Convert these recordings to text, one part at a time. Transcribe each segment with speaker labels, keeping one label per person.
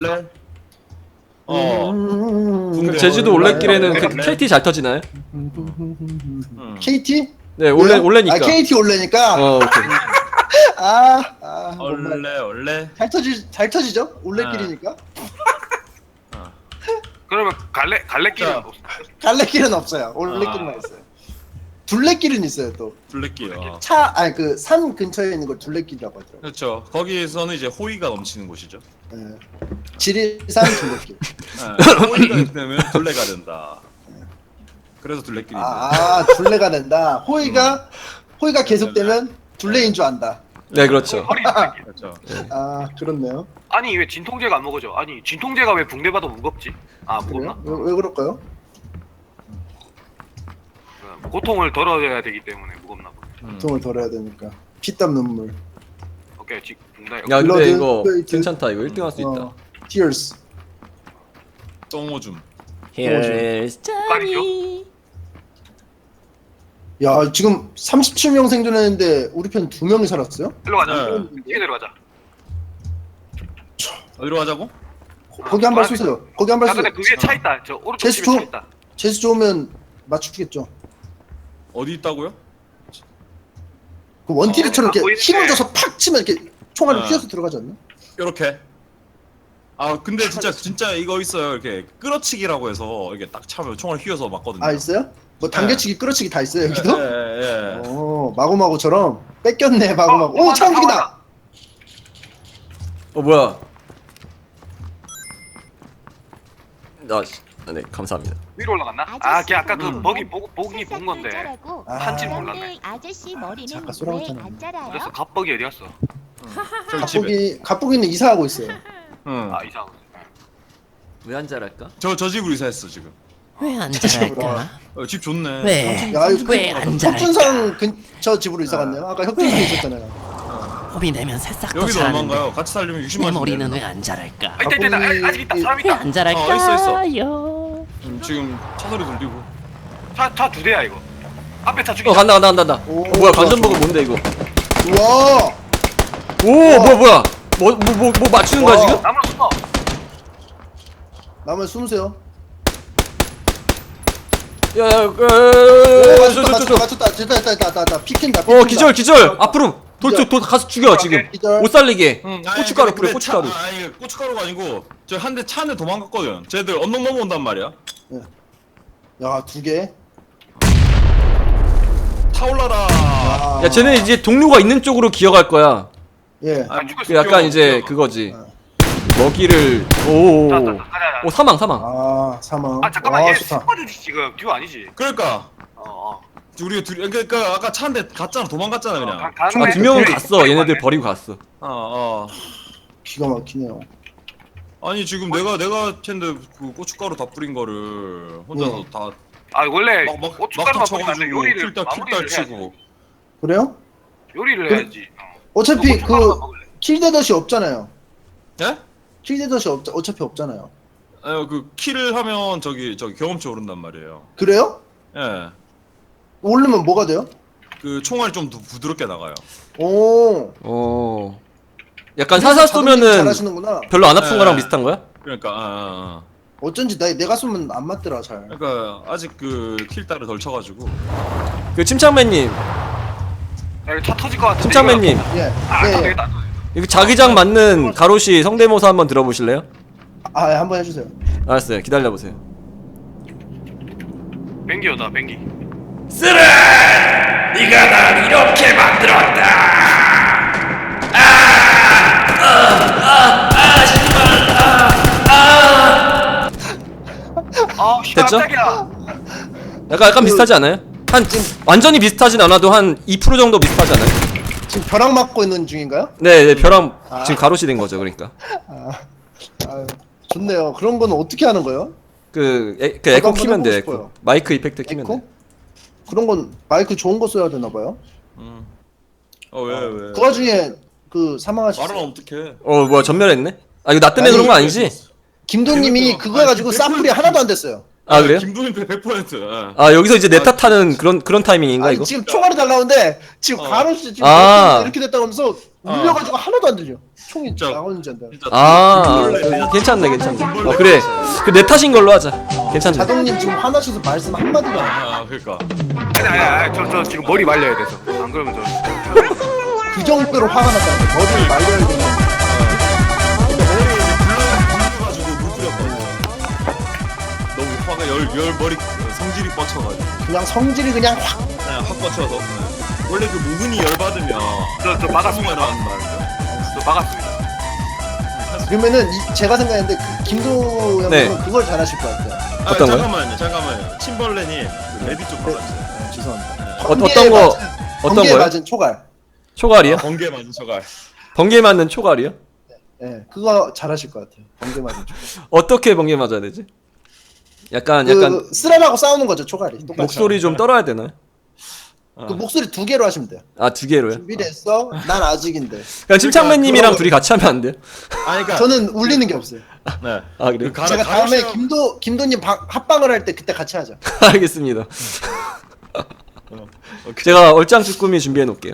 Speaker 1: 원래
Speaker 2: 그 제주도 올레길에는 그 KT 잘 터지나요?
Speaker 3: KT?
Speaker 2: 네,
Speaker 3: 왜요?
Speaker 2: 올레니까.
Speaker 3: 아, KT 올레니까.
Speaker 2: 오케이.
Speaker 1: 원래
Speaker 3: 잘 터지죠? 올레길이니까.
Speaker 4: 그러면 갈래길은
Speaker 1: 자.
Speaker 4: 없어.
Speaker 3: 갈래길은 없어요. 올레길만 있어요. 둘레길은 있어요 또.
Speaker 1: 둘레길.
Speaker 3: 아니 그 산 근처에 있는 걸 둘레길이라고 하더라고요.
Speaker 1: 그렇죠. 거기에서는 이제 호의가 넘치는 곳이죠.
Speaker 3: 예. 지리산 둘레길.
Speaker 1: 호의가 있으면 둘레가 된다. 그래서 둘레길입니다.
Speaker 3: 둘레가 된다. 호의가 계속되면 둘레인 줄 안다.
Speaker 2: 네, 그렇죠.
Speaker 4: 허리
Speaker 1: 그렇죠.
Speaker 3: 아, 그렇네요.
Speaker 4: 아니 왜 진통제가 안 먹어져? 아니 진통제가 왜 붕대봐도 무겁지? 아 무겁나?
Speaker 3: 그래요? 왜 그럴까요?
Speaker 4: 고통을 덜어야 되기 때문에 무겁나 보네.
Speaker 3: 고통을 덜어야 되니까. 피땀 눈물.
Speaker 4: 오케이 지 붕대.
Speaker 2: 야, 근데
Speaker 3: 블러드,
Speaker 2: 이거
Speaker 3: 페이트.
Speaker 2: 괜찮다. 이거 1등 할 수 있다.
Speaker 3: Tears.
Speaker 1: 똥오줌.
Speaker 2: Here's
Speaker 4: Johnny.
Speaker 3: 야, 지금 37명 생존했는데 우리 편 2명이 살았어요?
Speaker 4: 일로 가자.
Speaker 1: 네.
Speaker 4: 이게 내려가자.
Speaker 1: 어디로 가자고?
Speaker 3: 거기 한 발 쏘세요. 거기 한 발
Speaker 4: 야
Speaker 3: 쏘세요.
Speaker 4: 근데 그 위에 차 있다. 저 오른쪽
Speaker 3: 제수
Speaker 4: 집에 차
Speaker 3: 좀-
Speaker 4: 있다.
Speaker 3: 재수 좋으면 맞추겠죠.
Speaker 1: 어디 있다고요?
Speaker 3: 그 원티리처럼 이렇게
Speaker 4: 보이는데.
Speaker 3: 힘을 줘서 팍 치면 이렇게 총알이
Speaker 1: 어.
Speaker 3: 휘어서 들어가지 않나?
Speaker 1: 이렇게. 아 근데 진짜 이거 있어요. 이렇게 끌어치기라고 해서 이게 딱 차면 총알 휘어서 맞거든요.
Speaker 3: 아, 있어요? 뭐 당겨치기, 끌어치기 다 있어요, 여기도?
Speaker 1: 예.
Speaker 3: 마구마구처럼 뺏겼네, 마구마구. 오, 차 움직인다!
Speaker 2: 뭐야? 네, 감사합니다.
Speaker 4: 위로 올라갔나? 걔 아까 그 먹이 보기 본 건데. 한지 몰랐네.
Speaker 5: 아저씨 머리는
Speaker 3: 잠깐 쏘라고
Speaker 5: 왜
Speaker 3: 했잖아.
Speaker 5: 안 자라요?
Speaker 4: 그래서 갑벅이 어디 갔어?
Speaker 1: 저기 집에.
Speaker 3: 갑보기는 이사하고 있어요.
Speaker 1: 응.
Speaker 4: 아 이상하고.
Speaker 2: 왜 안 잘할까?
Speaker 1: 저 집으로 이사했어 지금.
Speaker 6: 왜 안
Speaker 3: 집으로.
Speaker 6: 잘할까?
Speaker 1: 집 좋네.
Speaker 6: 왜?
Speaker 3: 야, 이거
Speaker 6: 왜 안 잘할까?
Speaker 3: 혁준상 근처 집으로 이사 갔네요. 아까 혁준상에 있었잖아요.
Speaker 6: 호비 내면 새싹도
Speaker 1: 여기도
Speaker 6: 자라는데
Speaker 1: 얼마인가요? 같이 살려면 60만
Speaker 6: 내
Speaker 1: 원.
Speaker 6: 머리는 왜 안 자랄까?
Speaker 4: 아 있다. 아직 있다. 사람
Speaker 6: 왜
Speaker 4: 있다.
Speaker 6: 안 자랄까요?
Speaker 1: 지금 차 소리 들리고.
Speaker 4: 차 2대야 이거. 앞에 차 죽이자.
Speaker 2: 간다.
Speaker 3: 오,
Speaker 2: 뭐야, 관전버그 뭔데 이거?
Speaker 3: 우와!
Speaker 2: 뭐야? 뭐 맞추는 거야
Speaker 3: 와.
Speaker 2: 지금?
Speaker 4: 나무로 숨어.
Speaker 3: 나머지 숨으세요.
Speaker 2: 야,
Speaker 3: 오, 맞췄다. 됐다. 피킨다.
Speaker 2: 기절. 앞으로 가서 죽여 지금.
Speaker 3: 기절.
Speaker 2: 못 살리게.
Speaker 1: 응,
Speaker 2: 고춧가루 뿌려, 고춧가루.
Speaker 1: 아니 고춧가루가 아니고 저 차 한 대 도망갔거든. 쟤들 언덕 넘어온단 말이야.
Speaker 3: 야, 2개.
Speaker 1: 타올라라.
Speaker 3: 아,
Speaker 2: 야, 쟤네 이제 동료가 있는 쪽으로 기어갈 거야.
Speaker 3: 예.
Speaker 4: 아, 죽을
Speaker 2: 그
Speaker 4: 수
Speaker 2: 약간
Speaker 4: 없죠.
Speaker 2: 이제 그거지.
Speaker 3: 어.
Speaker 2: 먹이를
Speaker 4: 가자.
Speaker 2: 사망.
Speaker 3: 아, 사망.
Speaker 4: 잠깐만
Speaker 3: 와,
Speaker 4: 얘
Speaker 3: 좋다.
Speaker 4: 스쿼드지 지금 듀오 아니지?
Speaker 1: 그러니까
Speaker 4: 어.
Speaker 1: 우리가 둘이 그러니까 아까 차 한 대 갔잖아. 도망갔잖아 그냥.
Speaker 4: 가는
Speaker 2: 두 명은 갔어. 얘네들 버리고 갔어.
Speaker 1: 어.
Speaker 3: 기가 막히네요.
Speaker 1: 아니 지금 내가 쟤인데 그 고춧가루 다 뿌린 거를 혼자서 다
Speaker 4: 아 원래
Speaker 1: 막
Speaker 4: 고춧가루만 뿌리면 안 돼.
Speaker 1: 쳐가지고
Speaker 4: 요리를
Speaker 1: 킬딸
Speaker 4: 마무리를 해야지.
Speaker 1: 치고.
Speaker 3: 그래요?
Speaker 4: 요리를 해야지.
Speaker 3: 어차피
Speaker 4: 고춧가루만
Speaker 3: 그
Speaker 4: 먹을래.
Speaker 3: 킬데덧이 없잖아요.
Speaker 1: 예?
Speaker 3: 킬데덧이 어차피 없잖아요.
Speaker 1: 그 킬을 하면 저기 경험치 오른단 말이에요.
Speaker 3: 그래요?
Speaker 1: 예.
Speaker 3: 오르면 뭐가 돼요?
Speaker 1: 그 총알이 좀 더 부드럽게 나가요.
Speaker 3: 오.
Speaker 2: 약간 사살 쏘면은
Speaker 3: 잘하시는구나.
Speaker 2: 별로 안 아픈
Speaker 1: 네.
Speaker 2: 거랑 비슷한 거야?
Speaker 1: 그러니까
Speaker 3: 어쩐지 내가 쏘면 안 맞더라 잘.
Speaker 1: 그러니까 아직 그 킬딸을 덜 쳐가지고.
Speaker 2: 그 침착맨님,
Speaker 4: 야, 이거 차 터질 것 같은데.
Speaker 2: 침착맨님,
Speaker 3: 예.
Speaker 4: 안
Speaker 3: 예. 예.
Speaker 4: 되겠다.
Speaker 2: 이거 자기장 맞는 가로시 성대모사 한번 들어보실래요?
Speaker 3: 아, 예, 한번 해주세요.
Speaker 2: 알았어요. 기다려보세요.
Speaker 4: 뱅기요다 뱅기.
Speaker 2: 쓰라! 네가 날 이렇게 만들었다!
Speaker 4: 아
Speaker 2: 됐죠?
Speaker 4: 깜짝이야.
Speaker 2: 약간 비슷하지 않아요? 완전히 비슷하진 않아도 한 2% 정도 비슷하지 않아요?
Speaker 3: 지금 벼락 맞고 있는 중인가요?
Speaker 2: 네, 벼랑 지금 가로시 된 거죠, 그러니까.
Speaker 3: 아, 좋네요. 그런 건 어떻게 하는 거예요?
Speaker 2: 그 에코
Speaker 3: 한번
Speaker 2: 키면 돼,
Speaker 3: 해보고
Speaker 2: 에코.
Speaker 3: 싶어요.
Speaker 2: 마이크 이펙트 키면
Speaker 3: 에코?
Speaker 2: 돼.
Speaker 3: 그런 건 마이크 좋은 거 써야 되나 봐요.
Speaker 1: 왜?
Speaker 3: 그 와중에 그 사망하셨어요.
Speaker 1: 말은 어떡해?
Speaker 2: 뭐야, 전멸했네? 아, 이거 나 때문에 그런 거 아니지?
Speaker 3: 김동님이 그거 해가지고 사플이 하나도 안 됐어요.
Speaker 2: 아, 그래요?
Speaker 1: 김동인 100%. 예.
Speaker 2: 아, 여기서 이제 내 탓하는 그런 타이밍인가,
Speaker 3: 아니,
Speaker 2: 이거?
Speaker 3: 지금 총알이 달라오는데 지금 가로수 지금
Speaker 2: 아.
Speaker 3: 이렇게 됐다고 하면서 울려가지고 하나도 안 들려. 총이
Speaker 1: 진짜.
Speaker 3: 나오는지 안 돼.
Speaker 1: 진짜
Speaker 2: 괜찮네 괜찮네. 그래 그 내 탓인 걸로 하자. 괜찮네.
Speaker 3: 자동님 지금 화나셔서 말씀 한마디도 안 해.
Speaker 1: 그러니까
Speaker 4: 아니 저 지금 머리 말려야 돼서 안 그러면 저
Speaker 3: 그 정도로 화가 났다는 거. 머리를 말려야 되는.
Speaker 1: 불려가지고 물 뿌렸거든. 너무 화가 열 머리 성질이 뻗쳐가지고
Speaker 3: 그냥 성질이 그냥 확.
Speaker 1: 그냥 확 뻗쳐서 원래 그 모근이 열 받으면
Speaker 4: 저 막았습니다.
Speaker 1: 나는 말이죠.
Speaker 4: 저 막았습니다.
Speaker 3: 그러면은 제가 생각했는데 그 김도 형님은
Speaker 2: 네.
Speaker 3: 그걸 잘하실 것 같아요.
Speaker 2: 어떤 거요?
Speaker 1: 잠깐만요. 침벌레님 그 레디 좀 받아주세요.
Speaker 3: 죄송합니다.
Speaker 2: 어떤 거 어떤
Speaker 3: 번개에
Speaker 2: 거요?
Speaker 3: 맞은 초갈.
Speaker 2: 초갈이요?
Speaker 1: 번개 맞은 저갈.
Speaker 2: 번개 맞는 초갈이요?
Speaker 3: 예, 그거 잘하실 것 같아요. 번개 맞은 초갈.
Speaker 2: 어떻게 번개 맞아야 되지? 약간
Speaker 3: 그 쓰라라고 싸우는 거죠 초갈이. 똑같이.
Speaker 2: 목소리 좀 떨어야 되나요?
Speaker 3: 그 목소리 2개로 하시면 돼요.
Speaker 2: 아 2개로요?
Speaker 3: 준비를 했어. 난 아직인데.
Speaker 2: 그냥 침착맨님이랑
Speaker 1: 그러고-
Speaker 2: 둘이 같이 하면 안 돼요?
Speaker 1: 아니 그러니까
Speaker 3: 저는 울리는 게 없어요.
Speaker 1: 네.
Speaker 2: 아 그래요?
Speaker 3: 제가 다음에 김도님 합방을 할 때 그때 같이 하자.
Speaker 2: 알겠습니다. 제가 얼짱 쭈꾸미 준비해 놓을게요.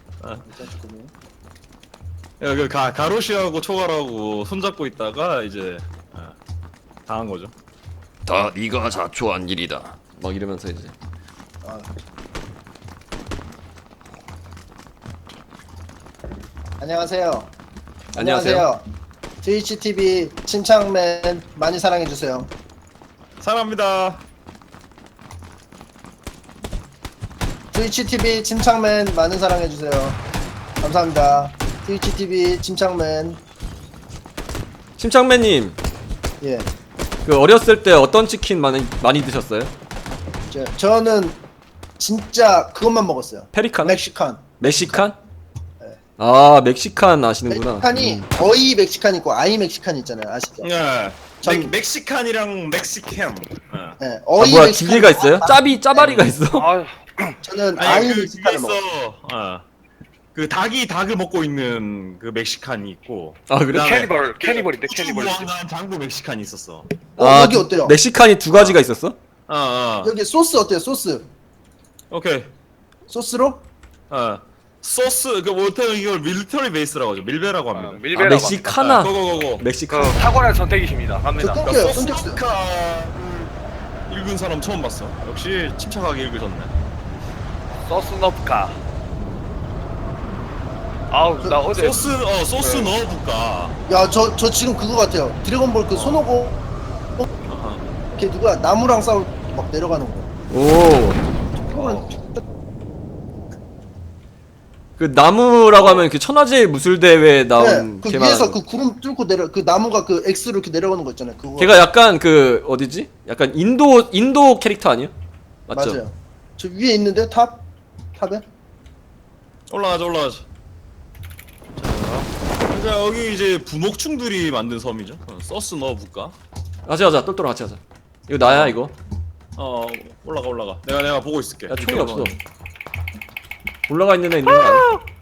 Speaker 1: 그 가로시하고 초갈하고 손잡고 있다가 이제 당한 거죠.
Speaker 2: 다 네가 자초한 일이다. 막 이러면서 이제
Speaker 3: 아. 안녕하세요.
Speaker 2: 안녕하세요.
Speaker 3: 트위치 TV 침착맨 많이 사랑해 주세요.
Speaker 1: 사랑합니다.
Speaker 3: 트위치 TV 침착맨 많은 사랑해 주세요. 감사합니다. 트위치 TV 침착맨.
Speaker 2: 침착맨님
Speaker 3: 예.
Speaker 2: 그 어렸을 때 어떤 치킨 많이 드셨어요?
Speaker 3: 저는 진짜 그것만 먹었어요.
Speaker 2: 페리칸?
Speaker 3: 멕시칸.
Speaker 2: 멕시칸?
Speaker 3: 네.
Speaker 2: 아 멕시칸 아시는구나.
Speaker 3: 멕시칸이 거의 멕시칸 있고 아이 멕시칸 있잖아요. 아시죠?
Speaker 1: 네.
Speaker 3: 전-
Speaker 1: 멕시칸이랑 멕시캠.
Speaker 3: 네.
Speaker 2: 아
Speaker 3: 어이
Speaker 2: 뭐야
Speaker 3: 멕시칸.
Speaker 2: 두 개가 있어요? 짜바리가 있어?
Speaker 4: 아
Speaker 3: 저는
Speaker 1: 아니
Speaker 3: 아이
Speaker 1: 그게
Speaker 3: 멕시칸을
Speaker 1: 있어.
Speaker 3: 먹어요.
Speaker 1: 그 닭을 먹고 있는 그 멕시칸이 있고.
Speaker 2: 아 그래?
Speaker 1: 그다음에
Speaker 4: 캐니벌인데
Speaker 1: 우주
Speaker 4: 캐니벌.
Speaker 1: 무한한 장부 멕시칸이 있었어.
Speaker 2: 아
Speaker 3: 여기 어때요?
Speaker 2: 멕시칸이 두 가지가 있었어?
Speaker 3: 여기 소스 어때요? 소스.
Speaker 1: 오케이.
Speaker 3: 소스로?
Speaker 1: 소스 그 못하면 이걸 밀리터리 베이스라고 하죠. 밀베라고 합니다.
Speaker 2: 아
Speaker 4: 밀베라.
Speaker 2: 멕시카나
Speaker 1: 고고고고.
Speaker 2: megxican.
Speaker 4: 그 탁월한 선택이십니다.
Speaker 3: 저
Speaker 4: 갑니다.
Speaker 3: 끊겨요. 끊겼어요.
Speaker 1: 소스카 읽은 사람 처음 봤어. 역시 침착하게 읽으셨네.
Speaker 4: 소스 너프카. 아우 나 어제
Speaker 1: 소스 넣어볼까.
Speaker 3: 야, 저 지금 그거 같아요. 드래곤볼 그 손오고 걔 누구야? 나무랑 싸울 막 내려가는 거.
Speaker 2: 오.
Speaker 3: 그거는
Speaker 2: 그 나무라고 하면 그 천하제일 무술대회에 나온
Speaker 3: 그
Speaker 2: 걔만.
Speaker 3: 위에서 그 구름 뚫고 내려 그 나무가 그 X로 이렇게 내려가는 거 있잖아요. 그거.
Speaker 2: 걔가 약간 그 어디지? 약간 인도 캐릭터 아니야? 맞죠?
Speaker 3: 맞아요. 저 위에 있는데 탑에?
Speaker 1: 올라가자. 자, 여기 이제 부목충들이 만든 섬이죠. 소스 넣어볼까?
Speaker 2: 같이 하자. 똘똘 같이 하자. 이거 나야 이거.
Speaker 1: 올라가. 내가 보고 있을게.
Speaker 2: 야 총이 없어. 올라가 있는 애 있는 거 아니야?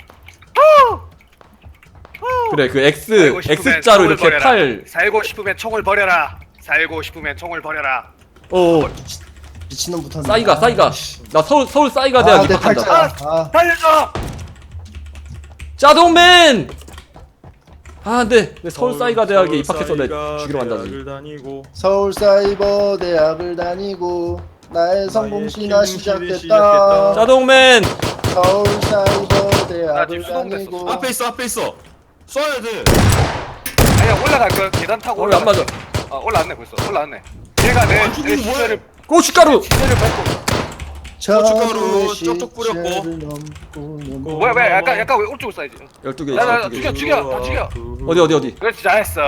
Speaker 2: 그래 그 X자로 이렇게 팔.
Speaker 4: 살고 싶으면 총을 버려라. 살고 싶으면 총을 버려라.
Speaker 2: 오.
Speaker 3: 미친놈 붙었네.
Speaker 2: 싸이가. 나 서울 싸이가
Speaker 3: 아,
Speaker 2: 대학
Speaker 3: 내
Speaker 2: 입학한다.
Speaker 3: 팔자. 아,
Speaker 4: 달려줘.
Speaker 2: 짜동맨. 아 안돼. 내 서울 싸이가 대학에 입학해서 내 죽이러 간다지.
Speaker 1: 대학을 다니고
Speaker 3: 서울 사이버 대학을 다니고 나의 성공시나
Speaker 1: 킹실이
Speaker 3: 시작됐다.
Speaker 2: 짜동맨.
Speaker 3: 서울 사이버
Speaker 4: 나
Speaker 3: 대학을
Speaker 4: 지금 수동됐어.
Speaker 3: 다니고.
Speaker 1: 앞에 있어. 쏴야 돼.
Speaker 4: 아니야 올라갈 거 계단 타고
Speaker 2: 안 맞아.
Speaker 4: 아 올라왔네 벌써 올라왔네. 얘가 내
Speaker 1: 죽이는 뭐야?
Speaker 4: 시체를
Speaker 2: 고춧가루.
Speaker 4: 밟고.
Speaker 1: 고춧가루 쪽쪽 뿌렸고.
Speaker 4: 뭐야 약간 왜 오른쪽으로 쏴야지.
Speaker 2: 12개
Speaker 4: 나
Speaker 2: 있어. 12개.
Speaker 4: 죽여 다 죽여.
Speaker 2: 어디?
Speaker 4: 그렇지 잘했어.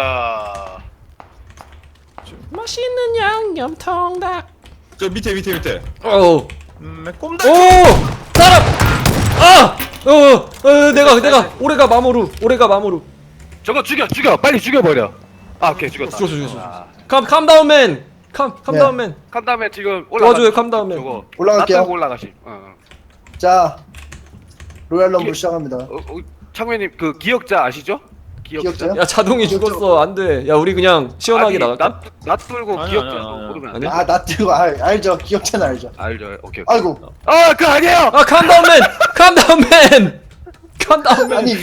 Speaker 6: 맛있는 양념 통닭.
Speaker 1: 저 밑에.
Speaker 2: 오.
Speaker 1: 꼼짝.
Speaker 2: 오! 사람! 아! 내가 오래가 마모루.
Speaker 4: 저거 죽여 빨리 죽여버려. 아 오케이 죽였다.
Speaker 2: 죽였어.
Speaker 4: 아,
Speaker 2: 캄다운맨. 캄다운맨.
Speaker 4: 간 다음에 지금 올라가.
Speaker 2: 도와줘요, 캄 다음에.
Speaker 4: 저거
Speaker 3: 올라갈게요.
Speaker 4: 놔두고 올라가시.
Speaker 3: 자, 로얄 럼블 시작합니다.
Speaker 4: 창맨님 그 기억자 아시죠?
Speaker 3: 기억자요?
Speaker 2: 야 자동이 죽었어. 안 돼. 야 우리 그냥 시원하게 나갈까?
Speaker 4: 놔두고
Speaker 1: 아니,
Speaker 4: 기억자
Speaker 1: 아니.
Speaker 4: 모르면 안
Speaker 2: 아니?
Speaker 4: 돼?
Speaker 3: 아, 나 뜨고 알죠. 기억자는 알죠.
Speaker 4: 알죠. 오케이.
Speaker 3: 아이고.
Speaker 4: 아, 그 아니에요.
Speaker 2: 아 캄다운맨. 칸다운맨.
Speaker 3: 아니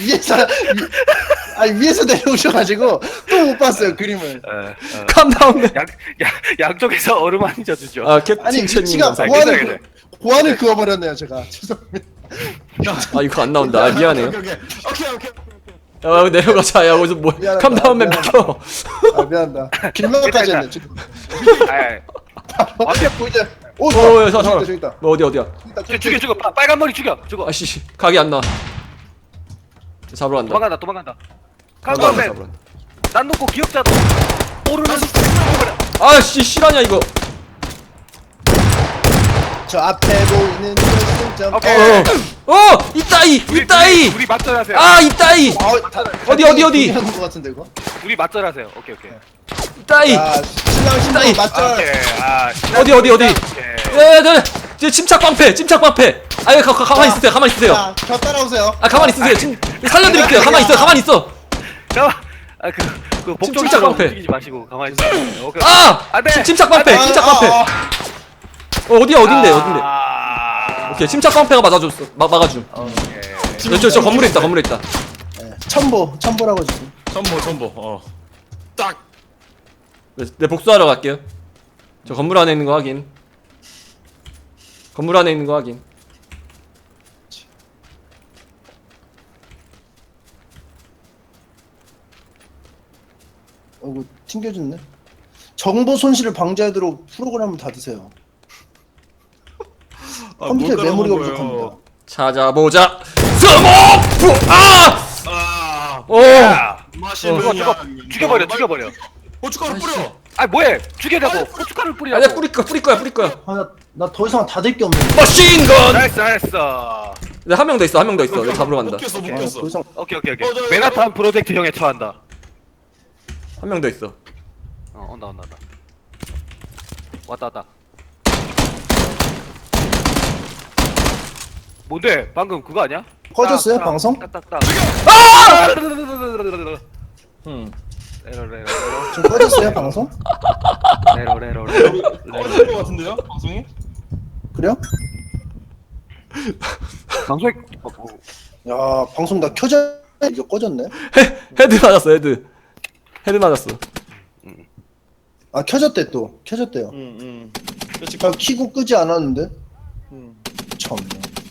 Speaker 3: 위에서 내려오셔가지고 또 못 봤어요 그림을.
Speaker 2: 칸다운맨.
Speaker 4: 양쪽에서 얼음 한 젖주죠.
Speaker 2: 아 캡틴
Speaker 3: 아니
Speaker 2: 첸님
Speaker 3: 위치가
Speaker 2: 감사합니다.
Speaker 4: 괜찮아요.
Speaker 3: 고안을 그어버렸네요 제가. 죄송합니다.
Speaker 2: 아 이거 안 나온다. 아, 미안해요.
Speaker 1: 오케이.
Speaker 2: 야 내려가자. 야 어디서 뭐
Speaker 3: 미안하다,
Speaker 2: 칸다운맨
Speaker 3: 미안하다.
Speaker 2: 비켜.
Speaker 3: 아 미안하다. 길막까지 했네 지금.
Speaker 4: 완벽
Speaker 3: 보이자. 오
Speaker 2: 야,
Speaker 3: 저기
Speaker 2: 잠깐만.
Speaker 3: 있다.
Speaker 2: 뭐 어디야?
Speaker 4: 죽여 빨간 머리 죽여.
Speaker 2: 아씨 각이 안 나. 잡으러 간다.
Speaker 4: 도망간다.
Speaker 2: 잡으러
Speaker 4: 깜깜맨
Speaker 2: 간다.
Speaker 4: 난 놓고 기억자도 오르면서
Speaker 2: 아씨 실화냐 이거.
Speaker 3: 저 앞에 보이는 결승점.
Speaker 4: 오케이.
Speaker 2: 이따이.
Speaker 4: 우리 맞절하세요.
Speaker 2: 아 이따이. 어디?
Speaker 3: 하는 것 같은데 이거.
Speaker 4: 우리 맞절하세요. 오케이.
Speaker 2: 이따이.
Speaker 3: 야 신랑 신부
Speaker 2: 따이.
Speaker 3: 맞절.
Speaker 2: 어디?
Speaker 4: 오케이.
Speaker 2: 네, 침착 방패. 아예 가만히 있으세요.
Speaker 3: 자, 저 따라오세요.
Speaker 2: 아 가만히 있으세요. 살려드릴게요. 가만히 있어.
Speaker 4: 잠깐만. 그
Speaker 2: 침착
Speaker 4: 복종처럼
Speaker 2: 방패.
Speaker 4: 움직이지 마시고 가만히 있어요. 오케이.
Speaker 2: 아!
Speaker 4: 안돼.
Speaker 2: 침착 방패. 어딘데? 오케이 침착 방패가 막아줌. 저 건물에 있다.
Speaker 3: 첨보라고 지금.
Speaker 1: 전보. 딱.
Speaker 2: 네 복수하러 갈게요. 저 건물 안에 있는 거 확인.
Speaker 3: 어이구 튕겨졌네. 정보 손실을 방지하도록 프로그램을 닫으세요. 컴퓨터에 메모리가 부족합니다.
Speaker 2: 찾아보자. 스모프! 오!
Speaker 1: 맛있는
Speaker 4: 저거 죽여버려.
Speaker 1: 고춧가루 뿌려.
Speaker 4: 아 뭐해? 죽이려고 고춧가루 뿌리라고.
Speaker 2: 아니야 뿌릴 거야.
Speaker 3: 나 더 이상 닫을 게 없네.
Speaker 2: 머신건!
Speaker 4: 나이스.
Speaker 2: 네, 한 명 더 있어. 내가 잡으러 간다.
Speaker 1: 못 꼈어.
Speaker 3: 더 이상
Speaker 4: 오케이.
Speaker 1: 저,
Speaker 4: 맨하탄 프로젝트 형에 처한다.
Speaker 2: 한 명 더 있어.
Speaker 4: 온다. 왔다. 뭔데? 방금 그거 아니야?
Speaker 3: 꺼졌어요, 방송?
Speaker 4: 딱딱딱. 레로.
Speaker 3: 지금 꺼졌어요 방송?
Speaker 4: 레로.
Speaker 1: 꺼질 것 같은데요? 방송이?
Speaker 3: 그래요?
Speaker 4: 방송에
Speaker 3: 야 방송 다 켜져 이게 꺼졌네.
Speaker 2: 헤드 맞았어. 헤드 맞았어.
Speaker 3: 아 켜졌대 또 켜졌대요. 나 키고 끄지 않았는데. 참네.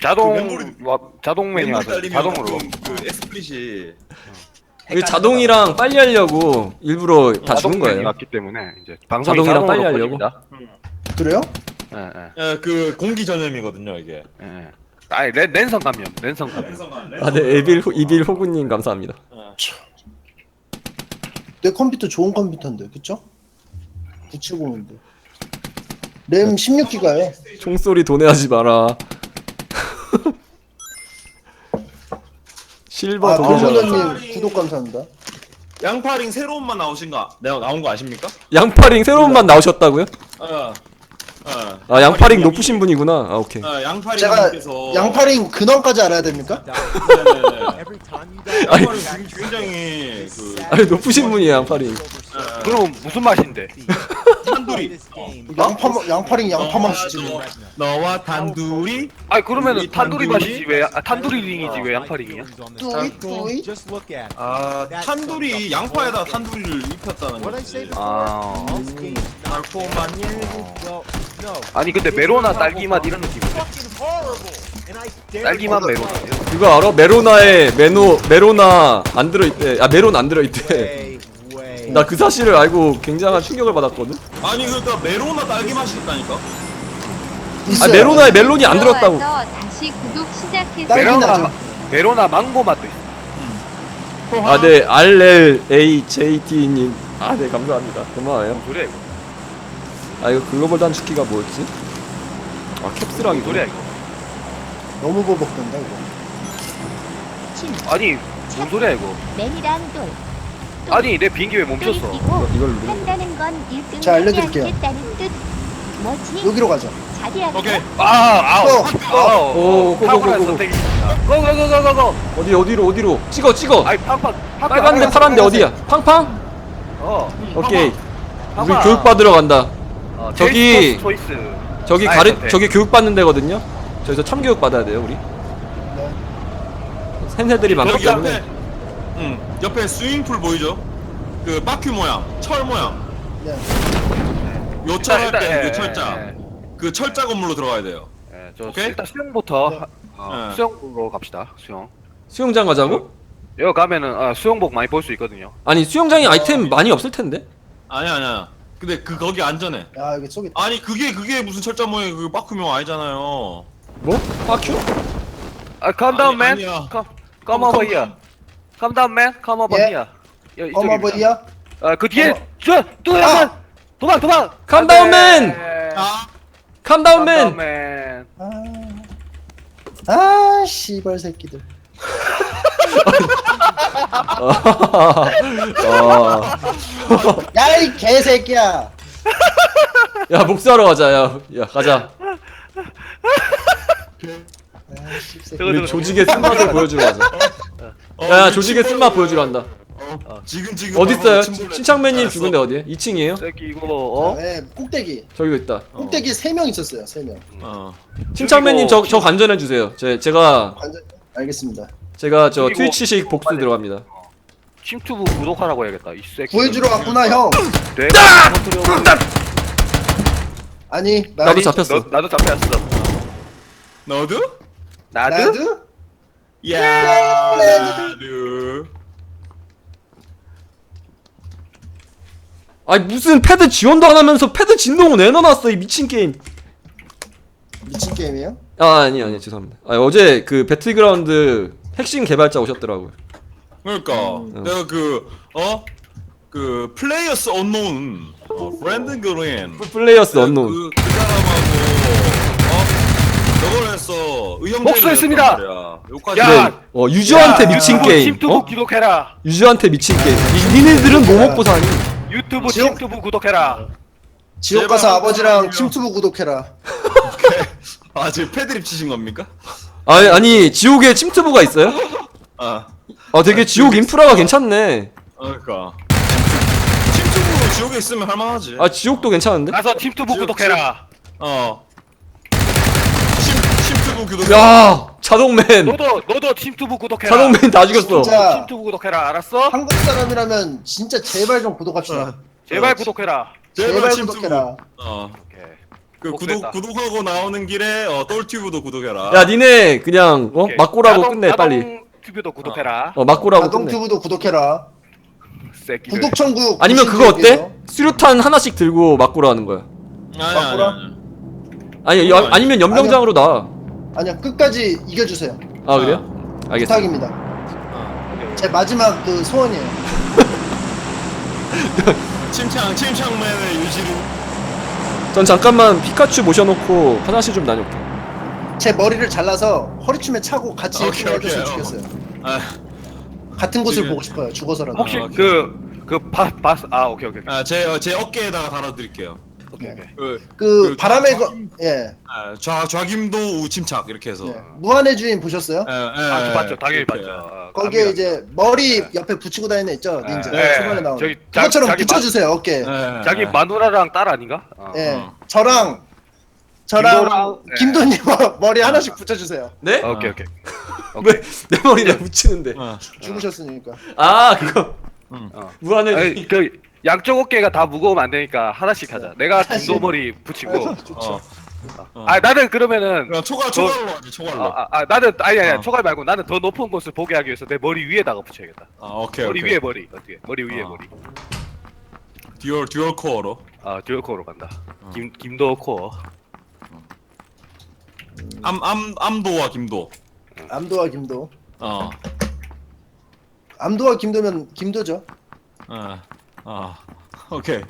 Speaker 4: 자동 메뉴 하자. 자동으로.
Speaker 1: 그 엑스플릿이
Speaker 2: 이게 자동이랑 빨리 하려고 일부러 다 주는 거예요.
Speaker 4: 맞기 때문에 이제 방송이
Speaker 2: 자동이랑 빨리
Speaker 4: 자동으로
Speaker 2: 하려고?
Speaker 4: 꺼집니다.
Speaker 3: 그래요?
Speaker 4: 예.
Speaker 1: 그 공기 전염이거든요 이게.
Speaker 4: 아니 랜선 감염.
Speaker 2: 아, 네, 이빌 호구님 감사합니다.
Speaker 3: 내 컴퓨터 좋은 컴퓨터인데 그쵸? 970인데 램 16기가요.
Speaker 2: 총소리 도내하지 마라. 실버
Speaker 3: 아
Speaker 2: 도내자.
Speaker 3: 돌문어님 구독 감사합니다.
Speaker 1: 양파링 새로운 맛 나온 거 아십니까?
Speaker 2: 양파링 새로운 맛 나오셨다고요?
Speaker 1: 어.
Speaker 2: 아 양파링 높으신 분이구나. 아 오케이.
Speaker 3: 제가
Speaker 1: 양파링님께서
Speaker 3: 양파링 근원까지 알아야 됩니까?
Speaker 1: 네네네. 양파링 굉장히 그
Speaker 2: 아니 높으신 분이에요 양파링.
Speaker 4: 그럼 무슨 맛인데?
Speaker 1: 탄두리.
Speaker 3: 양파링 양파만 쓰지.
Speaker 1: 너와 단둘이
Speaker 4: 아니 그러면은
Speaker 1: 우리
Speaker 4: 탄두리
Speaker 1: 탄두리?
Speaker 4: 맛이지 왜 탄두리 링이지 왜 양파링이야?
Speaker 3: 뚜이
Speaker 1: 탄두리 양파에다 탄두리를 입혔다는 거지.
Speaker 4: 아
Speaker 1: 달콤한
Speaker 4: 아니 근데 메로나 딸기 맛 이런 느낌인데? 딸기 맛 메로나.
Speaker 2: 그거 알아? 메로나 안 들어있대. 아 메론 안 들어있대. 나 그 사실을 알고 굉장한 충격을 받았거든.
Speaker 1: 아니 그러니까 메로나 딸기 맛이 있다니까.
Speaker 2: 아 메로나에 멜론이 안 들었다고.
Speaker 5: 다시 구독 시작해서
Speaker 3: 딸기나죠.
Speaker 4: 메로나 망고 맛도 있어.
Speaker 2: 아 네 RLAJT님. 아 네 감사합니다. 고마워요.
Speaker 4: 뭔 소리야 이거?
Speaker 2: 아 이거 글로벌 단축키가 뭐였지? 아 캡스랑이
Speaker 4: 뭔 소리야 이거?
Speaker 3: 너무 버벅된다 이거.
Speaker 4: 아니 뭔 소리야 이거?
Speaker 5: 맨이랑 돌.
Speaker 4: 아니 내 비행기 왜 멈췄어?
Speaker 2: 이걸 누르는
Speaker 5: 한다는 건 1등
Speaker 3: 자, 알려드릴게요.
Speaker 5: 하겠다는 뜻. 뭐지?
Speaker 3: 여기로 가자.
Speaker 5: 자리야.
Speaker 1: 오케이.
Speaker 2: 오,
Speaker 4: 탁월한
Speaker 2: 고고고고.
Speaker 4: 선택입니다. 고고고고고고.
Speaker 2: 어디로 찍어.
Speaker 4: 아니 팡팡.
Speaker 2: 빨간데 파란데 어디야? 팡팡? 오케이. 우리
Speaker 4: 팡팡.
Speaker 2: 교육 받으러 간다. 저기-
Speaker 4: 초이스.
Speaker 2: 저기
Speaker 4: 선택.
Speaker 2: 저기 교육 받는 데거든요. 저기서 참교육 받아야 돼요 우리. 팬들이 많기
Speaker 1: 여기
Speaker 2: 때문에.
Speaker 1: 옆에 옆에 스윙풀 보이죠? 그 바퀴 모양, 철 모양.
Speaker 3: 네.
Speaker 1: 요철
Speaker 4: 일단,
Speaker 1: 할때
Speaker 4: 예,
Speaker 1: 그 철자.
Speaker 4: 예,
Speaker 1: 그 철자 건물로 들어가야 돼요.
Speaker 4: 저
Speaker 1: 오케이?
Speaker 4: 일단 수영부터
Speaker 3: 네.
Speaker 1: 네.
Speaker 4: 수영으로 갑시다. 수영.
Speaker 2: 수영장 가자고?
Speaker 4: 여기 가면은 수영복 많이 볼 수 있거든요.
Speaker 2: 아니 수영장에 아이템 많이 없을 텐데.
Speaker 1: 아니야. 근데 그 거기 안전해.
Speaker 3: 아 여기 속에
Speaker 1: 아니 그게 무슨 철자 모양 그 바퀴 모양 아니잖아요.
Speaker 2: 뭐? 파큐?
Speaker 4: Calm down, man.
Speaker 1: 아니야.
Speaker 4: Come over here. Calm down, man. Come over
Speaker 3: 예.
Speaker 4: here. 여기
Speaker 3: 어머
Speaker 4: 이쪽입니다.
Speaker 3: 버리야.
Speaker 4: 그 뒤에
Speaker 3: 어머.
Speaker 4: 또 약간 도망.
Speaker 2: Calm
Speaker 4: 안
Speaker 2: down,
Speaker 4: 돼.
Speaker 2: man.
Speaker 1: 아,
Speaker 2: Calm
Speaker 4: Calm
Speaker 2: down,
Speaker 4: down,
Speaker 2: man.
Speaker 4: man.
Speaker 3: 아 씨발 새끼들. 야 이 개새끼야.
Speaker 2: 야 복수하러 가자. 야 가자.
Speaker 3: 아 씨.
Speaker 4: 저거,
Speaker 2: 우리
Speaker 4: 저거.
Speaker 2: 조직의 쓴맛을 보여주러 가자. 야 조직의 쓴맛 보여주러 간다.
Speaker 1: 지금
Speaker 2: 어디 있어요?
Speaker 1: 침몰해.
Speaker 2: 신창맨님
Speaker 1: 알았어.
Speaker 2: 죽은데 어디에? 2층이에요?
Speaker 4: 새끼 이거
Speaker 3: 네, 꼭대기.
Speaker 2: 저기 있다.
Speaker 3: 꼭대기 3명 있었어요. 3명.
Speaker 2: 신창맨님 저 관전해 주세요. 제가
Speaker 3: 완전 알겠습니다.
Speaker 2: 저
Speaker 4: 그리고-
Speaker 2: 트위치식 복수 들어갑니다.
Speaker 4: 침투부 구독하라고 해야겠다. 이 새끼.
Speaker 3: 구해주러 왔구나 형.
Speaker 4: 내가 터뜨려.
Speaker 3: 아니
Speaker 2: 나도 잡혔어.
Speaker 4: 나도 잡혔어.
Speaker 1: 너도?
Speaker 3: 나드?
Speaker 1: 야, 나도.
Speaker 2: 아니 무슨 패드 지원도 안 하면서 패드 진동을 내놔놨어 이 미친 게임.
Speaker 3: 미친 게임이에요?
Speaker 2: 아니 죄송합니다. 어제 그 배틀그라운드 핵심 개발자 오셨더라고요.
Speaker 1: 그러니까 내가 그 플레이어스 언노운 브랜든 그린
Speaker 2: 플레이어스 언노운.
Speaker 1: 그 사람하고 저걸 했어 의형제를
Speaker 4: 복수했습니다.
Speaker 1: 했단 말이야. 요까지.
Speaker 4: 야!
Speaker 2: 유저한테 미친 게임.
Speaker 4: 침투부 구독해라.
Speaker 2: 유저한테 미친 게임. 니네들은 뭐 먹고 사니?
Speaker 4: 유튜브
Speaker 3: 지옥-
Speaker 4: 침투부 구독해라.
Speaker 3: 지옥 가서
Speaker 1: 제발
Speaker 3: 아버지랑
Speaker 1: 한번
Speaker 3: 침투부 구독해라.
Speaker 1: 아 지금 패드립 치신 겁니까?
Speaker 2: 아니 지옥에 침투부가 있어요?
Speaker 1: 아
Speaker 2: 되게 지옥 인프라가 괜찮네.
Speaker 1: 그러니까 침투부 지옥에 있으면 할만하지.
Speaker 2: 지옥도 괜찮은데?
Speaker 4: 가서 침투부
Speaker 1: 지옥-
Speaker 4: 구독해라.
Speaker 1: 침투부 교도.
Speaker 2: 야 자동맨.
Speaker 4: 너도 침투부 구독해라.
Speaker 2: 자동맨 다 죽였어.
Speaker 3: 진짜.
Speaker 4: 침투부 구독해라. 알았어?
Speaker 3: 한국 사람이라면 진짜 제발 좀 구독합시다.
Speaker 4: 제발 구독해라.
Speaker 3: 제발
Speaker 1: 침투부.
Speaker 3: 구독해라.
Speaker 4: 오케이.
Speaker 1: 그
Speaker 4: 복수했다.
Speaker 1: 구독하고 나오는 길에 똘튜브도 구독해라.
Speaker 2: 야 니네 그냥
Speaker 4: 오케이.
Speaker 2: 막고라고 끝내 빨리.
Speaker 4: 튜브도 구독해라.
Speaker 2: 막고라고
Speaker 3: 자동
Speaker 2: 끝내.
Speaker 3: 튜브도 구독해라.
Speaker 4: 새끼들.
Speaker 3: 구독 천국.
Speaker 2: 아니면 그거 어때? 수류탄 하나씩 들고 막고라 하는 거야. 아니면 연병장으로 나.
Speaker 3: 아니야 끝까지 이겨주세요.
Speaker 2: 그래요? 알겠어.
Speaker 3: 부탁입니다. 제 마지막 그 소원이에요.
Speaker 1: 침창맨의 유지로.
Speaker 2: 전 잠깐만 피카츄 모셔놓고 화장실 좀 다녀올게.
Speaker 3: 제 머리를 잘라서 허리춤에 차고 같이
Speaker 1: 오케이,
Speaker 3: 해줬으면
Speaker 1: 오케이.
Speaker 3: 좋겠어요.
Speaker 1: 아,
Speaker 3: 같은 곳을
Speaker 1: 지금-
Speaker 3: 보고 싶어요. 죽어서라도.
Speaker 4: 혹시
Speaker 1: 오케이.
Speaker 4: 오케이.
Speaker 1: 제 어깨에다가 달아드릴게요.
Speaker 4: 오케이.
Speaker 3: 그 바람의 예.
Speaker 1: 좌김도 우침착 이렇게 해서.
Speaker 3: 네. 무한의 주인 보셨어요?
Speaker 4: 봤죠. 당연히
Speaker 1: 이렇게.
Speaker 4: 봤죠.
Speaker 3: 거기에 이제 머리 옆에 붙이고 다니는 애 있죠? 닌자.
Speaker 4: 네.
Speaker 3: 초반에 나오는.
Speaker 4: 저기
Speaker 3: 그것처럼
Speaker 4: 자기
Speaker 3: 붙여주세요 어깨.
Speaker 1: 네.
Speaker 4: 자기 마누라랑 딸 아닌가?
Speaker 3: 예. 저랑
Speaker 4: 김도랑, 네.
Speaker 3: 김도님 머리 하나씩 붙여주세요.
Speaker 2: 네?
Speaker 4: 오케이.
Speaker 2: 왜 내 머리에 붙이는데?
Speaker 3: 죽으셨으니까.
Speaker 2: 그거.
Speaker 4: 어.
Speaker 2: 무한의
Speaker 4: 아니, 그 양쪽 어깨가 다 무거우면 안 되니까 하나씩 하자. 내가 김도 머리 붙이고.
Speaker 3: 좋죠.
Speaker 4: 나는 그러면은
Speaker 1: 그냥 초갈로 하지 초갈로.
Speaker 4: 나는 아니 초갈 말고 나는 더 높은 곳을 보게 하기 위해서 내 머리 위에다가 붙여야겠다.
Speaker 1: 오케이
Speaker 4: 머리
Speaker 1: 오케이.
Speaker 4: 위에 머리 어떻게? 머리 위에 머리.
Speaker 1: 듀얼 코어로.
Speaker 4: 듀얼 코어로 간다. 김도 코어.
Speaker 1: 암도와 김도.
Speaker 3: 암도와 김도.
Speaker 1: 어.
Speaker 3: 암도와 김도면 김도죠.
Speaker 1: 오케이.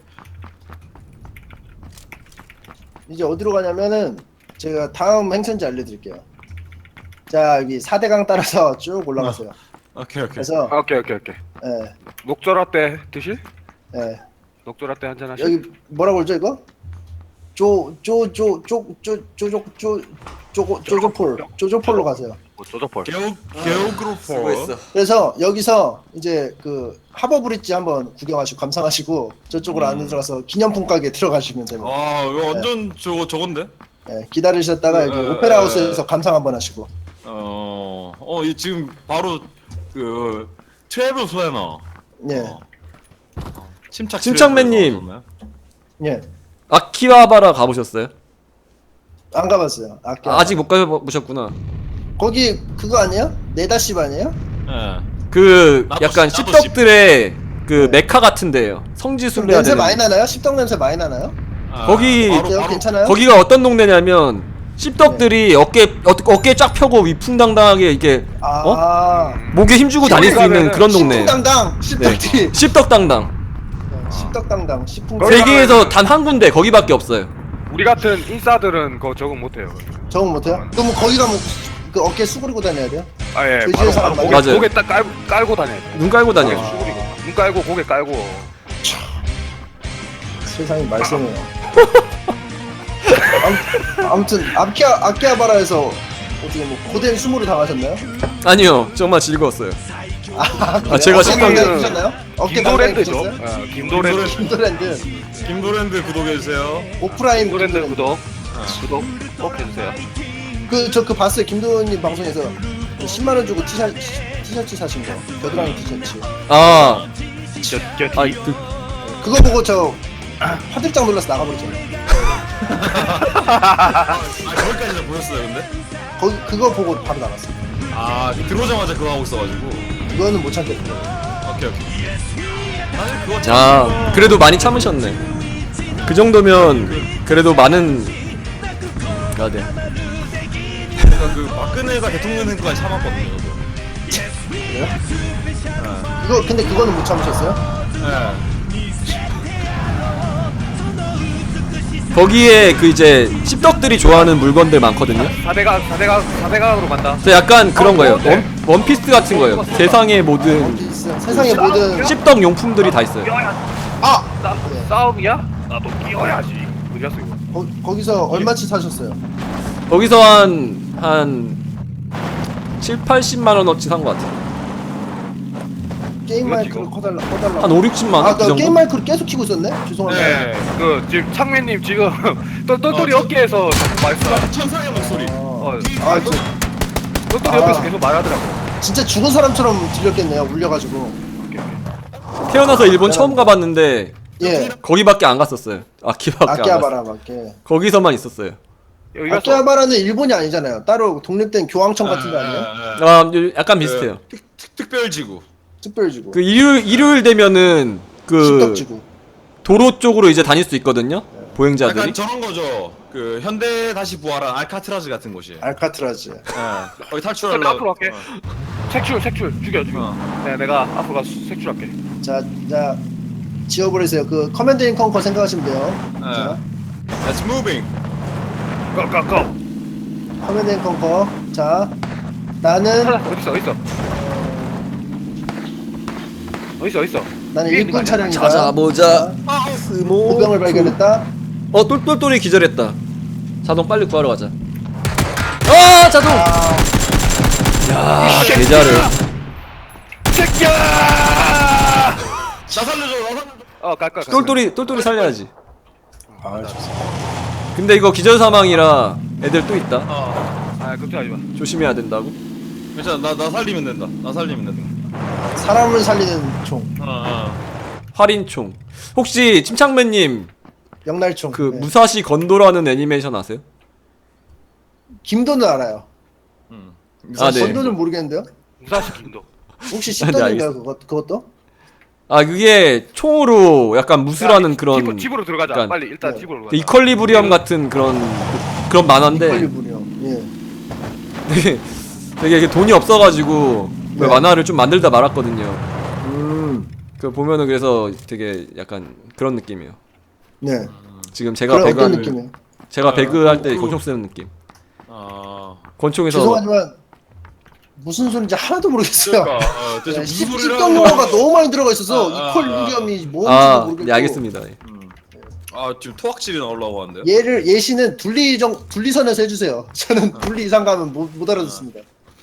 Speaker 3: 이제 어디로 가냐면은 제가 다음 행선지 알려드릴게요. 자 여기 4대강 따라서 쭉 올라가세요.
Speaker 1: 오케이.
Speaker 3: 그래서
Speaker 4: 오케이.
Speaker 3: 예,
Speaker 4: 녹조라떼 드실?
Speaker 3: 예.
Speaker 4: 녹조라떼 한잔 하실?
Speaker 3: 여기 뭐라고 그러죠 이거? 쪼조폴로 가세요.
Speaker 4: 조조폴.
Speaker 1: 게오그루포.
Speaker 3: 그래서 여기서 이제 그 하버 브릿지 한번 구경하시고 감상하시고 저쪽으로 안에 들어가서 기념품 가게 들어가시면 됩니다.
Speaker 1: 이거 완전 저건데?
Speaker 3: 예, 기다리셨다가 여기 오페라 하우스에서 감상 한번 하시고.
Speaker 1: 이 지금 바로 그 트래블 플래너.
Speaker 3: 예.
Speaker 2: 침착맨님.
Speaker 3: 예.
Speaker 2: 아키하바라 가보셨어요?
Speaker 3: 안 가봤어요.
Speaker 2: 아직 못 가보셨구나.
Speaker 3: 거기 그거 아니에요? 네다십 아니에요?
Speaker 1: 예.
Speaker 2: 그
Speaker 1: 나도
Speaker 2: 약간
Speaker 1: 나도
Speaker 2: 씹덕들의 그
Speaker 3: 네.
Speaker 2: 메카 같은데요. 성지순례 해야
Speaker 3: 냄새
Speaker 2: 되는.
Speaker 3: 많이 나나요? 십덕 냄새 많이 나나요?
Speaker 2: 거기
Speaker 3: 어때요? 괜찮아요?
Speaker 2: 거기가 어떤 동네냐면 씹덕들이 어깨 쫙 펴고 위풍당당하게 이게 목에 힘주고 다닐 수 있는 그런 동네.
Speaker 3: 십덕당당 십덕티.
Speaker 2: 씹덕당당.
Speaker 3: 십덕당당 십풍.
Speaker 2: 세계에서 단 한 군데 거기밖에 없어요.
Speaker 4: 우리 같은 인싸들은 그거 적응 못해요.
Speaker 3: 적응 못해요? 그럼 거기 가면 그 어깨 수그리고 다녀야 돼요?
Speaker 4: 아예
Speaker 3: 돼지의
Speaker 4: 바로
Speaker 3: 사람
Speaker 4: 고개,
Speaker 2: 맞아요.
Speaker 4: 고개 딱 깔고 다녀야 돼.
Speaker 2: 눈 깔고 다녀.
Speaker 4: 수그리고 눈 깔고 고개 깔고.
Speaker 3: 세상이 말썽이에요. 아무튼 아키하바라에서 어떻게 뭐 고된 수모를 당하셨나요?
Speaker 2: 아니요, 정말 즐거웠어요.
Speaker 3: 그래요?
Speaker 2: 제가
Speaker 3: 어깨
Speaker 2: 지금-
Speaker 3: 당당해주셨나요? 어깨
Speaker 4: 김도랜드죠.
Speaker 3: 당당해주셨어요?
Speaker 4: 김도랜드.
Speaker 3: 김도랜드
Speaker 1: 김도랜드 구독해주세요.
Speaker 3: 오프라인
Speaker 4: 김도랜드 구독 꼭 해주세요.
Speaker 3: 그 봤어요. 김도훈님 방송에서 10만 원 주고 티셔츠 사신 거. 겨드랑이 티셔츠.
Speaker 2: 아,
Speaker 4: 저
Speaker 3: 그거 보고 저 화들짝 놀라서 나가버렸잖아요.
Speaker 1: 거기까지 보셨어요, 근데?
Speaker 3: 그거 보고 바로 나갔어요.
Speaker 1: 들어오자마자 그거 하고 있어가지고.
Speaker 3: 그거는 못 참겠어요.
Speaker 1: 오케이. 사실 그거
Speaker 2: 아, 그래도 많이 참으셨네. 그 정도면 그래도 많은. 아, 네.
Speaker 1: 제가 그 박근혜가 대통령 된 거까지 참았거든요. 저도.
Speaker 3: 그래요? 근데 그거는 못 참으셨어요?
Speaker 1: 예.
Speaker 2: 거기에 그 이제 씹덕들이 좋아하는 물건들 많거든요.
Speaker 4: 4대각으로 간다.
Speaker 2: 그래서 약간 그런 거예요.
Speaker 4: 네.
Speaker 2: 원피스 같은 거예요. 세상의 모든
Speaker 3: 세상의 모든
Speaker 2: 씹덕 용품들이 다 있어요.
Speaker 3: 네.
Speaker 4: 싸움이야? 나도 끼워야지. 어디 갔어 이거?
Speaker 3: 거기서 얼마치 사셨어요?
Speaker 2: 거기서 한 7, 80만 원어치 산 것 같아요.
Speaker 3: 게임
Speaker 4: 이거
Speaker 3: 마이크를
Speaker 4: 지금-
Speaker 3: 꺼달라.
Speaker 2: 한 5, 60만 원? 그
Speaker 3: 나 게임
Speaker 2: 정도?
Speaker 3: 마이크를 계속 키고 있었네? 죄송합니다.
Speaker 4: 네. 그 지금 창맨님 지금 똘똘이 어깨에서 자꾸 말씀.
Speaker 1: 천상의 목소리.
Speaker 3: 아,
Speaker 4: 똘똘이 옆에서 계속 말하더라고.
Speaker 3: 진짜 죽은 사람처럼 들렸겠네요. 울려가지고.
Speaker 2: 태어나서 일본 처음 가봤는데
Speaker 3: 예.
Speaker 2: 거기밖에 안 갔었어요. 아키밖에 안 갔어요.
Speaker 3: 아키하바라밖에.
Speaker 2: 거기서만 있었어요.
Speaker 4: 여기 가서
Speaker 3: 아키하바라는 일본이 아니잖아요. 따로 독립된 교황청 같은 거 아니에요?
Speaker 2: 아, 약간 비슷해요.
Speaker 1: 특별지구.
Speaker 3: 특별지구.
Speaker 2: 그 일요일 되면은 그
Speaker 3: 십덕지구.
Speaker 2: 도로 쪽으로 이제 다닐 수 있거든요. 보행자들이.
Speaker 1: 약간 저런 거죠. 그 현대 다시 부활한 알카트라즈 같은 곳이에요.
Speaker 3: 알카트라즈.
Speaker 1: 거기
Speaker 4: 앞으로
Speaker 1: 탈출하려고.
Speaker 4: 할게. 색출 죽여. 네, 내가 앞으로 가서 색출할게.
Speaker 3: 자, 지워버리세요. 그 커맨드 인 컨커 생각하시면 돼요. 자,
Speaker 1: Let's moving.
Speaker 4: 고.
Speaker 3: 커맨드 인 컨커. 자, 나는
Speaker 4: 어딨어?
Speaker 3: 나는
Speaker 4: 위에 있는 거
Speaker 3: 일꾼
Speaker 4: 아니야?
Speaker 3: 차량이다.
Speaker 2: 찾아보자. 스모.
Speaker 3: 보병을 발견했다.
Speaker 2: 똘똘똘이 기절했다. 자동 빨리 구하러 가자. 아, 자동. 야, 계좌를.
Speaker 4: 새끼야!
Speaker 1: 나 살려줘.
Speaker 4: 갈 거야.
Speaker 2: 똘똘이 살려야지.
Speaker 3: 아, 좋습니다.
Speaker 2: 근데 이거 기절 사망이라 애들 또 있다.
Speaker 4: 걱정하지 마.
Speaker 2: 조심해야 된다고.
Speaker 1: 괜찮아. 나 살리면 된다. 나 살리면 된다.
Speaker 3: 사람을 살리는 총,
Speaker 2: 활인총. 혹시 침착맨님
Speaker 3: 영날총.
Speaker 2: 그
Speaker 3: 네.
Speaker 2: 무사시 건도라는 애니메이션 아세요?
Speaker 3: 김도는 알아요.
Speaker 2: 아, 네.
Speaker 3: 건도는 모르겠는데요.
Speaker 4: 무사시 김도.
Speaker 3: 혹시
Speaker 2: 네,
Speaker 3: 십덕인가요?
Speaker 2: 알겠습니다.
Speaker 3: 그것도?
Speaker 2: 아, 그게 총으로 약간 무술하는 그런
Speaker 4: 집으로 들어가자.
Speaker 2: 약간
Speaker 4: 빨리 일단
Speaker 3: 네.
Speaker 4: 집으로
Speaker 2: 그
Speaker 4: 가자.
Speaker 2: 이퀄리브리엄 같은 그런 만화인데
Speaker 3: 이퀄리브리엄. 예.
Speaker 2: 되게 이게 돈이 없어가지고 그
Speaker 3: 네.
Speaker 2: 만화를 좀 만들다 말았거든요. 그 보면은 그래서 되게 약간 그런 느낌이에요.
Speaker 3: 네.
Speaker 2: 지금 제가
Speaker 3: 그럼 어떤
Speaker 2: 배그
Speaker 3: 느낌이에요?
Speaker 2: 제가 배그 할 때 권총 쓰는 느낌. 권총에서
Speaker 3: 죄송하지만 무슨 소리인지 하나도 모르겠어요.
Speaker 1: 대체 무슨 소리를
Speaker 3: 십덕
Speaker 1: 하는
Speaker 3: 용어가
Speaker 1: 거야?
Speaker 3: 너무 많이 들어가 있어서 이퀄리브리엄이 뭔지도 모르겠고.
Speaker 2: 네, 알겠습니다. 네.
Speaker 1: 지금 토악질이 나오려고 하는데요?
Speaker 3: 예시는 분리선에서 해주세요. 저는 분리 이상 가면 못 알아듣습니다.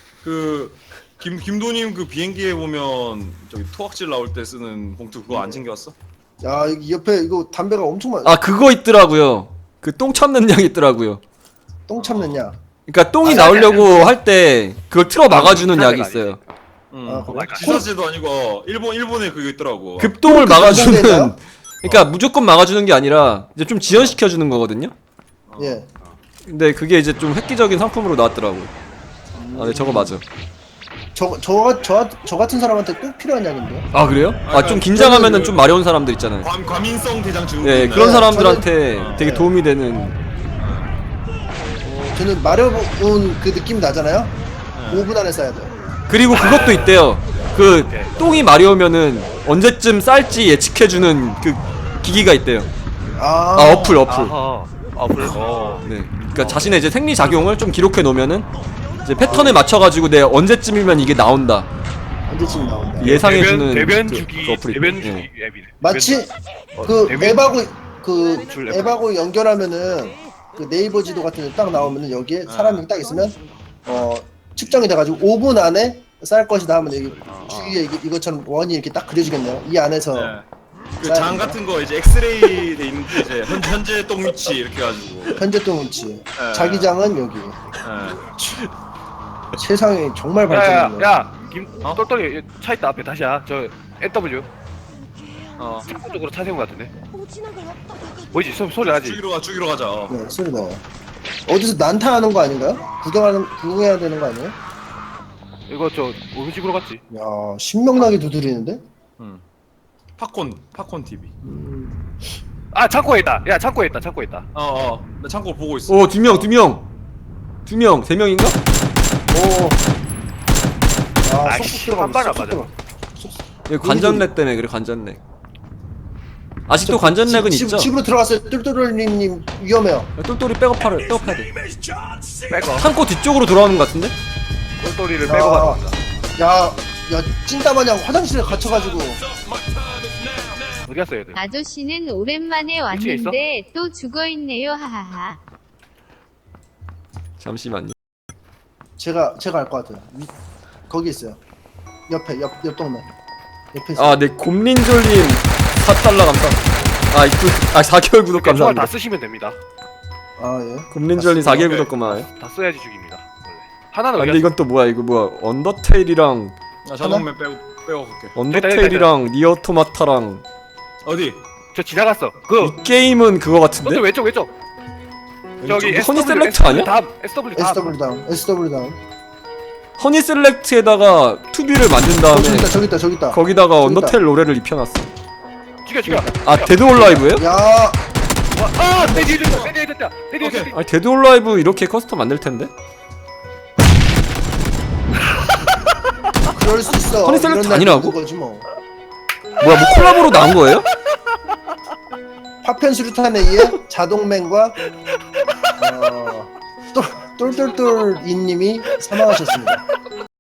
Speaker 1: 김도님 그 비행기에 보면 저기 토악질 나올 때 쓰는 봉투 그거 안 챙겨왔어?
Speaker 3: 야, 여기 옆에 이거 담배가 엄청 많아.
Speaker 2: 아, 그거 있더라고요. 그 똥 참는 양 있더라고요.
Speaker 3: 똥 참느냐?
Speaker 2: 그러니까 똥이
Speaker 4: 아니,
Speaker 2: 나오려고 할 때 그걸 틀어 막아주는 약이 있어요.
Speaker 3: 아, 그래?
Speaker 1: 지사제도 아니고 일본에 그게 있더라고.
Speaker 2: 급똥을 막아주는.
Speaker 3: 전공되나요?
Speaker 2: 그러니까 무조건 막아주는 게 아니라 이제 좀 지연시켜주는 거거든요.
Speaker 3: 예.
Speaker 2: 근데 그게 이제 좀 획기적인 상품으로 나왔더라고요. 아, 네, 저거 맞아.
Speaker 3: 저 같은 사람한테 꼭 필요한 약인데요.
Speaker 2: 아 그래요? 아 좀 긴장하면은 좀 마려운 사람들 있잖아요.
Speaker 1: 과민성 대장 증후군.
Speaker 2: 네, 그런
Speaker 3: 네,
Speaker 2: 사람들한테
Speaker 3: 저는-
Speaker 2: 되게
Speaker 3: 네.
Speaker 2: 도움이 되는.
Speaker 3: 저는 마려운 그 느낌 나잖아요. 5분 안에 써야 돼요.
Speaker 2: 그리고 그것도 있대요. 그 똥이 마려우면은 언제쯤 쌀지 예측해주는 그 기기가 있대요.
Speaker 3: 아,
Speaker 2: 아 어플.
Speaker 4: 아하. 어플.
Speaker 2: 네. 그러니까 자신의 이제 생리 작용을 좀 기록해 놓으면은 이제 패턴에 맞춰가지고 내 언제쯤이면 이게 나온다.
Speaker 3: 언제쯤 나온다.
Speaker 2: 예상해주는
Speaker 4: 대변
Speaker 2: 그
Speaker 4: 주기
Speaker 2: 어플이.
Speaker 4: 대변
Speaker 2: 예.
Speaker 4: 주기 앱이네.
Speaker 3: 마치
Speaker 4: 어,
Speaker 3: 그
Speaker 4: 대변-
Speaker 3: 앱하고
Speaker 4: 줄 앱.
Speaker 3: 앱하고 연결하면은 그 네이버 지도 같은 데 딱 나오면은 여기에 사람이 딱 있으면 측정이 돼가지고 5분 안에 쌀 것이다 하면 여기 주위에 이것처럼 원이 이렇게 딱 그려지겠네요. 이 안에서
Speaker 1: 네. 그장 같은 거 이제 엑스레이 돼 있는데 이제 현재 똥 위치 이렇게 해가지고.
Speaker 3: 현재 동 위치, 자기장은 여기.
Speaker 1: 예.
Speaker 3: 세상이 정말 발전했네요.
Speaker 4: 야야 김
Speaker 1: 어?
Speaker 4: 똘똘이 차 있다 앞에 다시야. 저 NW
Speaker 1: 어.
Speaker 4: 창고 쪽으로 차 세운 것 같은데. 보이지? 소리 나지?
Speaker 1: 죽이러 가자.
Speaker 3: 네, 소리 나요. 어디서 난타하는 거 아닌가요? 구경해야 되는 거 아니에요?
Speaker 4: 이거 저 오른쪽으로 갔지.
Speaker 3: 야, 신명나게 두드리는데?
Speaker 1: 팝콘 TV.
Speaker 4: 아 창고에 있다. 야 창고에 있다. 창고에 있다.
Speaker 1: 나 창고 보고 있어.
Speaker 2: 오, 두 명. 3명인가?
Speaker 3: 오. 아,
Speaker 4: 아이씨,
Speaker 3: 쏙쏙
Speaker 4: 한 발에
Speaker 3: 들어가.
Speaker 4: 안
Speaker 2: 이거 관전렉 때문에 그래, 관전렉. 아직도 관전렉은 있죠?
Speaker 3: 집으로 들어갔어요. 똘똘님 위험해요.
Speaker 2: 똘똘이 백업해야 돼.
Speaker 4: 빼고
Speaker 2: 창고 뒤쪽으로 돌아오는 것 같은데?
Speaker 4: 똘똘이를 빼고 가는 거다.
Speaker 3: 야, 찐따마냥 화장실에 갇혀가지고.
Speaker 4: 어디 갔어 얘들?
Speaker 5: 아저씨는 오랜만에
Speaker 4: 위치에 있어?
Speaker 5: 왔는데 또 죽어있네요. 하하하.
Speaker 2: 잠시만요.
Speaker 3: 제가 알 것 같아요. 거기 있어요. 옆 동네. 옆에 있어요.
Speaker 2: 아, 네, 곰린졸님 4달러 감사. 4개월 구독
Speaker 4: 총알 다
Speaker 2: 감사합니다.
Speaker 4: 쓰시면 됩니다.
Speaker 3: 아, 예.
Speaker 2: 곰린졸님 4개월 구독 고마워요.
Speaker 4: 다 써야지 죽입니다. 원래. 하나는
Speaker 2: 아,
Speaker 4: 어디
Speaker 2: 근데
Speaker 4: 갔어?
Speaker 2: 이건 또 뭐야, 이거 뭐야. 언더테일이랑,
Speaker 1: 자동맨 빼고 갈게.
Speaker 2: 언더테일이랑 니어토마타랑.
Speaker 1: 어디?
Speaker 4: 저 지나갔어. 그
Speaker 2: 이 게임은 그거 같은데?
Speaker 4: 똘똘 왼쪽. 저기
Speaker 2: 허니 셀렉트 아니야?
Speaker 4: 다음 SW 다음.
Speaker 3: SW 다운.
Speaker 2: 허니 셀렉트에다가 투비를 만든 다음에
Speaker 3: 저기 있다.
Speaker 2: 거기다가
Speaker 3: 저기
Speaker 2: 언더테일 노래를 입혀놨어.
Speaker 4: 죽여.
Speaker 2: 아, 데드 올 라이브예요?
Speaker 3: 야,
Speaker 4: 내 뒤에 있다.
Speaker 2: 아니, 데드 올 라이브 이렇게 커스텀 안 될 텐데?
Speaker 3: 그럴 수 있어.
Speaker 2: 허니 셀렉트
Speaker 3: 이런 날도
Speaker 2: 아니라고?
Speaker 3: 있는 거지 뭐.
Speaker 2: 뭐야, 뭐 콜라보로 나온 거예요?
Speaker 3: 파편 수류탄에 의해 자동맨과 똘똘똘 이님이 사망하셨습니다.